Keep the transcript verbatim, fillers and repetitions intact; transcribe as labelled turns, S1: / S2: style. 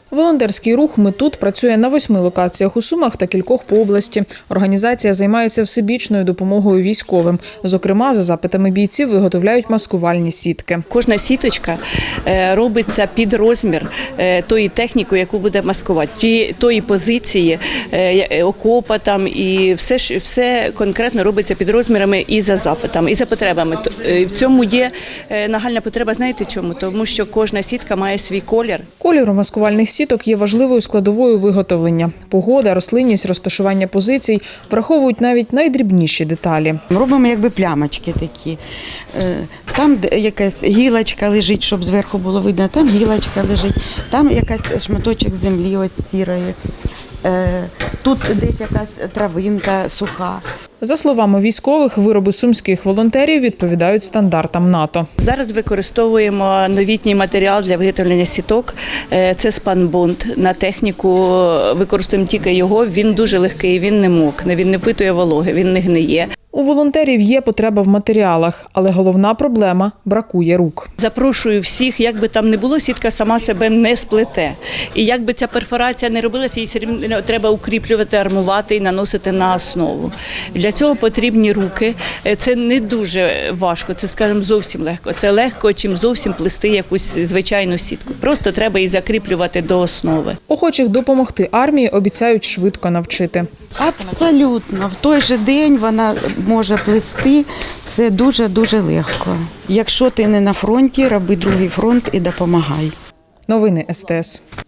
S1: Волонтерський рух «Ми тут» працює на восьми локаціях у Сумах та кількох по області. Організація займається всебічною допомогою військовим. Зокрема, за запитами бійців виготовляють маскувальні сітки.
S2: Кожна сіточка робиться під розмір тої техніки, яку буде маскувати, тої позиції, окопа там і все, все конкретно робиться під розмірами і за запитами, і за потребами. В цьому є нагальна потреба, знаєте чому? Тому що кожна сітка має свій колір.
S1: Колір у маскувальних сіток є важливою складовою виготовлення. Погода, рослинність, розташування позицій враховують навіть найдрібніші деталі.
S3: Робимо якби плямочки такі. Там якась гілочка лежить, щоб зверху було видно, там гілочка лежить, там якась шматочок землі ось сірої, тут десь якась травинка суха.
S1: За словами військових, вироби сумських волонтерів відповідають стандартам НАТО.
S2: Зараз використовуємо новітній матеріал для виготовлення сіток. Це спанбонд. На техніку використовуємо тільки його. Він дуже легкий, він не мокне, він не впитує вологи, він не гниє.
S1: У волонтерів є потреба в матеріалах, але головна проблема – бракує рук.
S2: Запрошую всіх, як би там не було, сітка сама себе не сплете. І як би ця перфорація не робилася, її все рівно треба укріплювати, армувати і наносити на основу. Для цього потрібні руки. Це не дуже важко, це, скажімо, зовсім легко. Це легко, чим зовсім плести якусь звичайну сітку. Просто треба її закріплювати до основи.
S1: Охочих допомогти армії обіцяють швидко навчити.
S3: Абсолютно. В той же день вона може плести. Це дуже-дуже легко. Якщо ти не на фронті, роби другий фронт і допомагай.
S1: Новини ес те ес.